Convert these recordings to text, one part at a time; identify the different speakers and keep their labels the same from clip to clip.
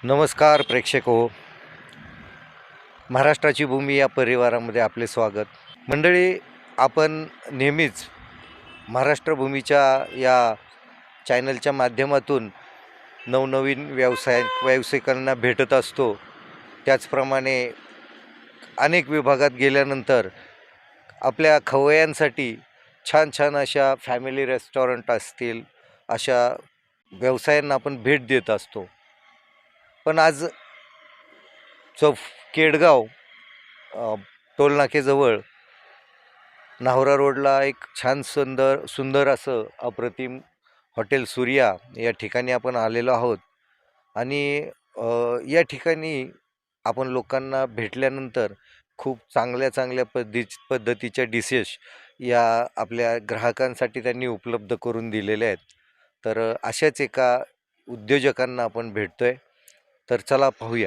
Speaker 1: नमस्कार प्रेक्षक हो, महाराष्ट्राची भूमी या परिवारामध्ये आपले स्वागत. मंडळी, आपण नेहमीच महाराष्ट्रभूमीच्या या चॅनलच्या माध्यमातून नवनवीन व्यावसायिकांना भेटत असतो. त्याचप्रमाणे अनेक विभागात गेल्यानंतर आपल्या खवय्यांसाठी छान छान अशा फॅमिली रेस्टॉरंट असतील, अशा व्यवसायांना आपण भेट देत असतो. पण आज केडगाव टोलनाकेजवळ नाहोरा रोडला एक छान सुंदर असं अप्रतिम हॉटेल सूर्या या ठिकाणी आपण आलेलो आहोत. आणि या ठिकाणी आपण लोकांना भेटल्यानंतर खूप चांगल्या पद्धतीच्या डिशेस या आपल्या ग्राहकांसाठी त्यांनी उपलब्ध करून दिलेल्या आहेत. तर अशाच एका उद्योजकांना आपण भेटतोय. तर चला पाहूया.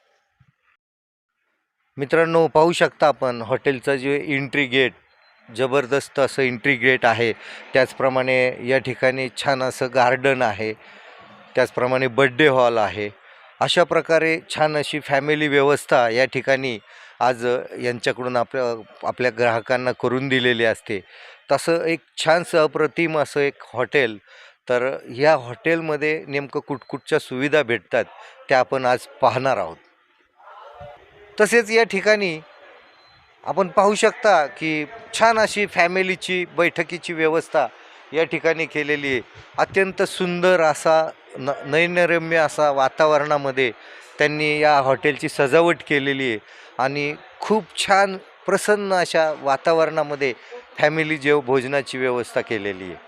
Speaker 1: मित्रांनो, पाहू शकता आपण हॉटेलचं जे एंट्री गेट, जबरदस्त असं एंट्री गेट आहे. त्याचप्रमाणे या ठिकाणी छान असं गार्डन आहे, त्याचप्रमाणे बड्डे हॉल आहे. अशा प्रकारे छान अशी फॅमिली व्यवस्था या ठिकाणी आज यांच्याकडून आपल्या ग्राहकांना करून दिलेली असते. तसं एक छानसं अप्रतिम असं एक हॉटेल. तर ह्या हॉटेलमध्ये नेमकं कुठकुठच्या सुविधा भेटतात त्या आपण आज पाहणार आहोत. तसेच या ठिकाणी आपण पाहू शकता की छान अशी फॅमिलीची बैठकीची व्यवस्था या ठिकाणी केलेली आहे. अत्यंत सुंदर असा नयनरम्य असा वातावरणामध्ये त्यांनी या हॉटेलची सजावट केलेली आहे आणि खूप छान प्रसन्न अशा वातावरणामध्ये फॅमिली भोजनाची व्यवस्था केलेली आहे.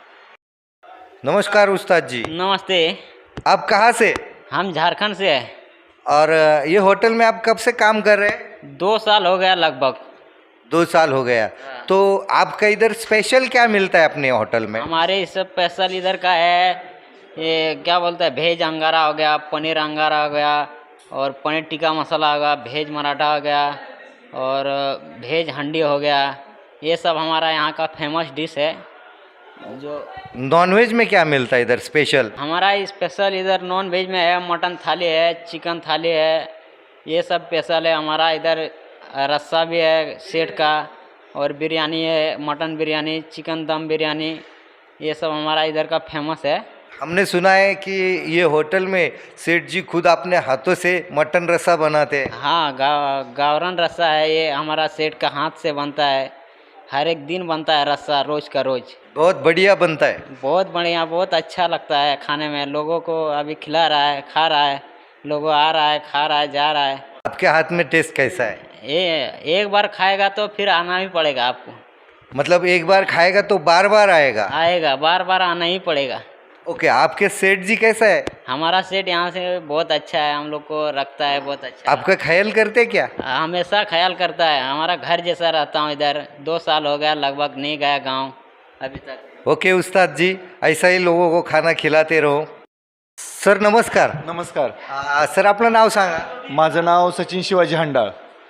Speaker 1: नमस्कार उस्ताद जी.
Speaker 2: नमस्ते।
Speaker 1: आप कहाँ से?
Speaker 2: हम झारखंड से हैं।
Speaker 1: और ये होटल में आप कब से काम कर रहे हैं?
Speaker 2: 2 साल हो गया लगभग।
Speaker 1: 2 साल हो गया। तो आपका इधर स्पेशल क्या मिलता है अपने होटल में?
Speaker 2: हमारे इस स्पेशल इधर का है, ये क्या बोलते हैं, भेज अंगारा हो गया, पनीर अंगारा हो गया, और पनीर टिक्का मसाला हो गया, भेज मराठा हो गया, और भेज हंडी हो गया। ये सब हमारा यहाँ का फेमस डिश है। जो
Speaker 1: नॉनवेज में क्या मिलता है इधर स्पेशल?
Speaker 2: हमारा स्पेशल इधर नॉन वेज में है, मटन थाली है, चिकन थाली है, ये सब स्पेशल है हमारा इधर। रस्सा भी है सेठ का, और बिरयानी है, मटन बिरयानी, चिकन दम बिरयानी, ये सब हमारा इधर का फेमस है।
Speaker 1: हमने सुना है कि ये होटल में सेठ जी खुद अपने हाथों से मटन रस्सा बनाते हैं।
Speaker 2: हाँ, गावरन रस्सा है, ये हमारा सेठ का हाथ से बनता है। हर एक दिन बनता है रस्सा, रोज का रोज।
Speaker 1: बहुत बढ़िया बनता है।
Speaker 2: बहुत बढ़िया, बहुत अच्छा लगता है खाने में। लोगों को अभी खिला रहा है, खा रहा है, लोगों आ रहा है, खा रहा है, जा रहा है।
Speaker 1: आपके हाथ में टेस्ट कैसा है?
Speaker 2: ये एक बार खाएगा तो फिर आना ही पड़ेगा आपको।
Speaker 1: मतलब एक बार खाएगा तो बार बार आएगा?
Speaker 2: आएगा, बार बार आना ही पड़ेगा।
Speaker 1: ओके, आपके सेठ जी कैसा है?
Speaker 2: हमारा सेठ यहाँ से बहुत अच्छा है, हम लोग को रखता है बहुत अच्छा।
Speaker 1: आपका ख्याल करते क्या?
Speaker 2: हमेशा ख्याल करता है, हमारा घर जैसा रहता हूँ इधर। 2 साल हो गया लगभग, नहीं गया गाँव अभी तक।
Speaker 1: ओके उस्ताद जी, ऐसा ही लोगों को खाना खिलाते रहो. सर नमस्कार.
Speaker 3: नमस्कार.
Speaker 1: सर आपलं नाव सांगा.
Speaker 3: माझं नाव सचिन शिवाजी हंडाळ.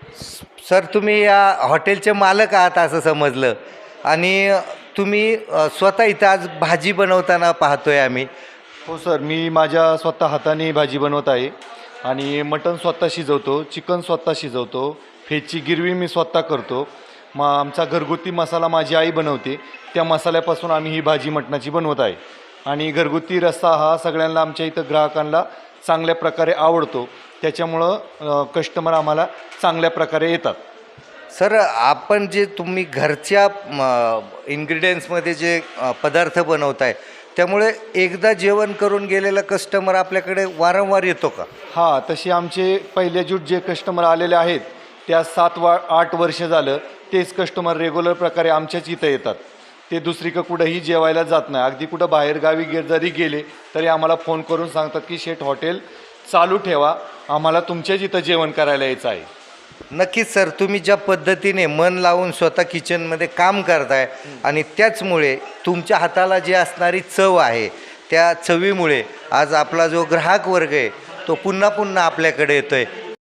Speaker 1: सर तुम्ही या हॉटेलचे मालक आहात असं समजलं, आणि तुम्ही स्वतः इथं आज भाजी बनवताना पाहतोय आम्ही.
Speaker 3: हो सर, मी माझ्या स्वतः हाताने भाजी बनवत आहे आणि मटण स्वतः शिजवतो, चिकन स्वतः शिजवतो, फेची गिरवी मी स्वतः करतो. मग आमचा घरगुती मसाला माझी आई बनवते, त्या मसाल्यापासून आम्ही ही भाजी मटणाची बनवत आहे. आणि घरगुती रस्सा हा सगळ्यांना आमच्या इथं ग्राहकांना चांगल्या प्रकारे आवडतो, त्याच्यामुळं कस्टमर आम्हाला चांगल्या प्रकारे येतात.
Speaker 1: सर आपण जे तुम्ही घरच्या इन्ग्रेडियंट्समध्ये जे पदार्थ बनवताय, त्यामुळे एकदा जेवण करून गेलेला कस्टमर आपल्याकडे वारंवार येतो का?
Speaker 3: हां, तसे आमचे पहिले जे कस्टमर आलेले आहेत त्या 7-8 वर्ष झालं तेच कस्टमर रेग्युलर प्रकारे आमच्याच इथं येतात. ते दुसरीकडं कुठंही जेवायला जात नाही. अगदी कुठं बाहेरगावी जरी गेले तरी आम्हाला फोन करून सांगतात की शेठ हॉटेल चालू ठेवा, आम्हाला तुमच्याच इथं जेवण करायला यायचं आहे.
Speaker 1: नक्कीच सर, तुम्ही ज्या पद्धतीने मन लावून स्वतः किचनमध्ये काम करताय आणि त्याचमुळे तुमच्या हाताला जी असणारी चव आहे त्या चवीमुळे आज आपला जो ग्राहक वर्ग आहे तो पुन्हा पुन्हा आपल्याकडे येतोय.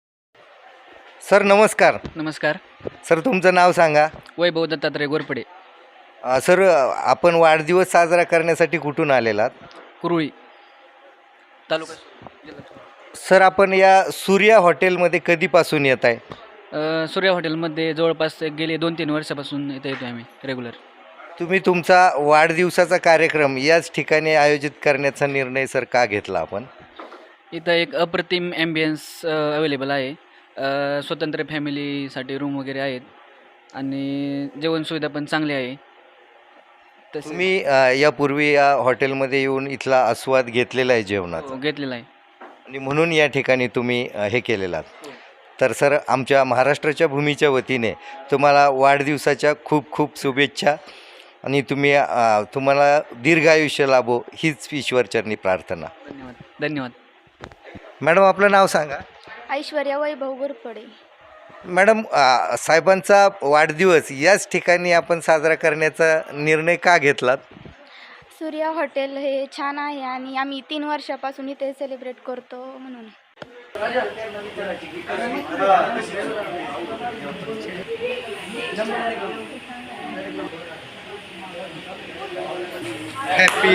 Speaker 1: सर नमस्कार.
Speaker 4: नमस्कार.
Speaker 1: सर तुमचं नाव सांगा.
Speaker 4: वैभव दत्तात्रय गोरपडे.
Speaker 1: सर आपण वाढदिवस साजरा करण्यासाठी कुठून आलेलात?
Speaker 4: कुरुळी तालुका
Speaker 1: सर आपण या सूर्या हॉटेलमध्ये कधीपासून येत आहे?
Speaker 4: सूर्या हॉटेलमध्ये जवळपास गेले 2-3 वर्षापासून इथे येतो आम्ही रेग्युलर.
Speaker 1: तुम्ही तुमचा वाढदिवसाचा कार्यक्रम याच ठिकाणी आयोजित करण्याचा निर्णय सर का घेतला आपण?
Speaker 4: इथं एक अप्रतिम ॲम्बियन्स अवेलेबल आहे. स्वतंत्र फॅमिलीसाठी रूम वगैरे आहेत आणि जेवण सुविधा पण चांगली आहे. तसे
Speaker 1: तुम्ही यापूर्वी या हॉटेलमध्ये येऊन इथला आस्वाद घेतलेला आहे जेवणाचा
Speaker 4: घेतलेला आहे.
Speaker 1: आणि म्हणून या ठिकाणी तुम्ही हे केलेलं आहात. तर सर आमच्या महाराष्ट्राच्या भूमीच्या वतीने तुम्हाला वाढदिवसाच्या खूप खूप शुभेच्छा आणि तुम्हाला दीर्घायुष्य लाभो हीच ईश्वरचरणी प्रार्थना.
Speaker 4: धन्यवाद. धन्यवाद.
Speaker 1: मॅडम आपलं नाव सांगा.
Speaker 5: ऐश्वर्या वैभव गोरपडे.
Speaker 1: मॅडम साहेबांचा वाढदिवस याच ठिकाणी आपण साजरा करण्याचा निर्णय का घेतलात?
Speaker 5: सूर्या हॉटेल हे छान आहे आणि आम्ही 3 वर्षापासून इथे सेलिब्रेट करतो म्हणून.
Speaker 1: हॅपी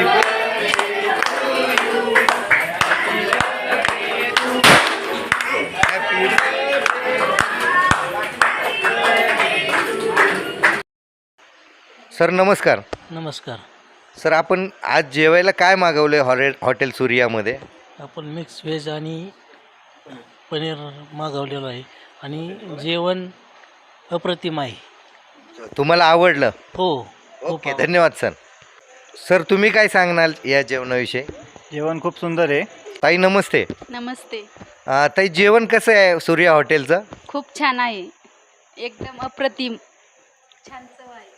Speaker 1: सर नमस्कार.
Speaker 6: नमस्कार.
Speaker 1: सर आपण आज जेवायला काय मागवले हॉटेल सूर्यामध्ये?
Speaker 6: आपण मिक्स व्हेज आणि पनीर मागवलेलं आहे आणि जेवण अप्रतिम आहे.
Speaker 1: तुम्हाला आवडलं?
Speaker 6: हो.
Speaker 1: ओके धन्यवाद सर. सर तुम्ही काय सांगणार या जेवणाविषयी?
Speaker 7: जेवण खूप सुंदर आहे.
Speaker 1: ताई नमस्ते.
Speaker 5: नमस्ते.
Speaker 1: ताई जेवण कसं आहे सूर्या हॉटेलचं?
Speaker 5: खूप छान आहे. एकदम अप्रतिम छान चव आहे.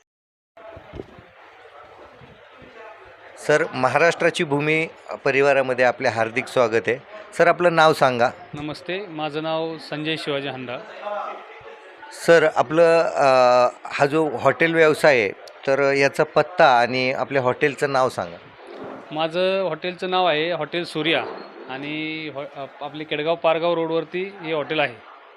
Speaker 1: सर महाराष्ट्राची भूमी परिवारामध्ये आपले हार्दिक स्वागत आहे. सर आपलं नाव सांगा.
Speaker 8: नमस्ते, माझं नाव संजय शिवाजी हंडा.
Speaker 1: सर आपलं हा जो हॉटेल व्यवसाय आहे तर याचा पत्ता आणि आपल्या हॉटेलचं नाव सांगा.
Speaker 8: माझं हॉटेलचं नाव आहे हॉटेल सूर्या आणि आपले केडगाव पारगाव रोडवरती हे हॉटेल आहे.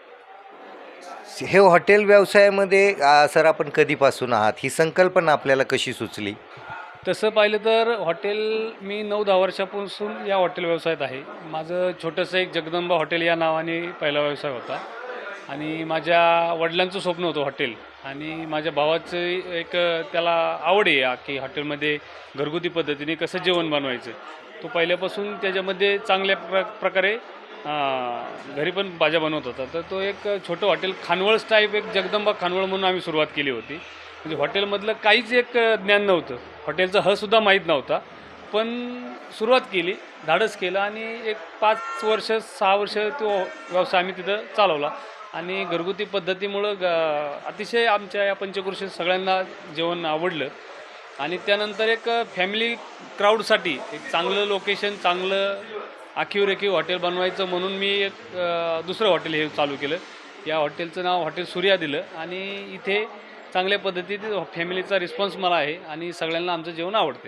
Speaker 1: हे हॉटेल व्यवसायामध्ये सर आपण कधीपासून आहात? ही संकल्पना आपल्याला कशी सुचली?
Speaker 8: तसं पाहिलं तर हॉटेल मी 9-10 वर्षापासून या हॉटेल व्यवसायात आहे. माझं छोटंसं एक जगदंबा हॉटेल या नावाने पहिला व्यवसाय होता आणि माझ्या वडिलांचं स्वप्न होतं हॉटेल आणि माझ्या भावाचं एक त्याला आवड आहे की हॉटेलमध्ये घरगुती पद्धतीने कसं जेवण बनवायचं. तो पहिल्यापासून त्याच्यामध्ये चांगल्या प्रकारे घरी पण भाज्या बनवत होता. तर तो एक छोटं हॉटेल खानवळच टाईप एक जगदंबा खानवळ म्हणून आम्ही सुरुवात केली होती. म्हणजे हॉटेलमधलं काहीच एक ज्ञान नव्हतं, हॉटेलचा हसुद्धा माहीत नव्हता, पण सुरुवात केली, धाडस केलं आणि एक 5 वर्ष 6 वर्ष तो व्यवसाय आम्ही तिथं चालवला आणि घरगुती पद्धतीमुळं अतिशय आमच्या या पंचक्रोशीत सगळ्यांना जेवण आवडलं आणि त्यानंतर एक फॅमिली क्राऊडसाठी एक चांगलं लोकेशन, चांगलं आखीव हॉटेल बनवायचं म्हणून मी एक दुसरं हॉटेल हे चालू केलं. या हॉटेलचं नाव हॉटेल सूर्या दिलं आणि इथे चांगल्या पद्धतीने फॅमिलीचा रिस्पॉन्स मला आहे आणि सगळ्यांना आमचं जेवण आवडते.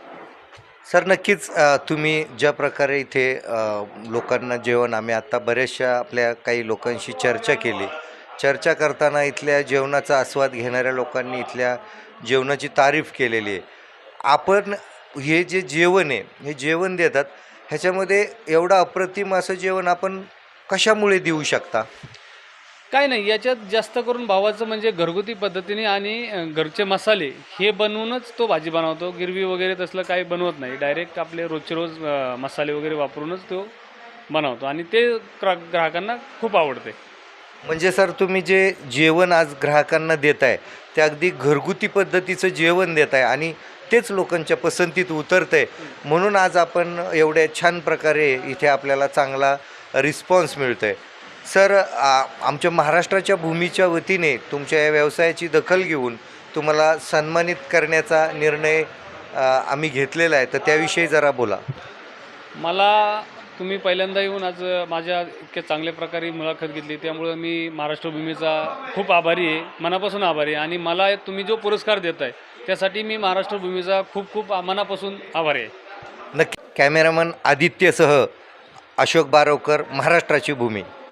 Speaker 1: सर नक्कीच तुम्ही ज्या प्रकारे इथे लोकांना जेवण आम्ही आत्ता बऱ्याचशा आपल्या काही लोकांशी चर्चा केली. चर्चा करताना इथल्या जेवणाचा आस्वाद घेणाऱ्या लोकांनी इथल्या जेवणाची तारीफ केलेली आहे. आपण हे जे जेवण आहे हे जेवण देतात ह्याच्यामध्ये एवढं अप्रतिम असं जेवण आपण कशामुळे देऊ शकता?
Speaker 8: काय नाही, याच्यात जास्त करून भावाचं म्हणजे घरगुती पद्धतीने आणि घरचे मसाले हे बनवूनच तो भाजी बनवतो. गिरवी वगैरे तसलं काही बनवत नाही, डायरेक्ट आपले रोजचे रोज मसाले वगैरे वापरूनच तो बनवतो आणि ते ग्राहकांना खूप आवडते.
Speaker 1: म्हणजे सर तुम्ही जे जेवण आज ग्राहकांना देत आहे ते अगदी घरगुती पद्धतीचं जेवण देत आहे आणि तेच लोकांच्या पसंतीत उतरतं आहे, म्हणून आज आपण एवढ्या छान प्रकारे इथे आपल्याला चांगला रिस्पॉन्स मिळतो आहे. सर आमच्या महाराष्ट्राच्या भूमीच्या वतीने तुमच्या या व्यवसायाची दखल घेऊन तुम्हाला सन्मानित करण्याचा निर्णय आम्ही घेतलेला आहे, तर त्याविषयी जरा बोला.
Speaker 8: मला तुम्ही पहिल्यांदा येऊन आज माझ्या इतक्या चांगल्या प्रकारे मुलाखत घेतली त्यामुळं मी महाराष्ट्र भूमीचा खूप आभारी आहे, मनापासून आभारी आहे आणि मला तुम्ही जो पुरस्कार देत आहे त्यासाठी मी महाराष्ट्र भूमीचा खूप खूप मनापासून आभारी आहे.
Speaker 1: नक्की. कॅमेरामन आदित्यसह अशोक बारवकर, महाराष्ट्राची भूमी.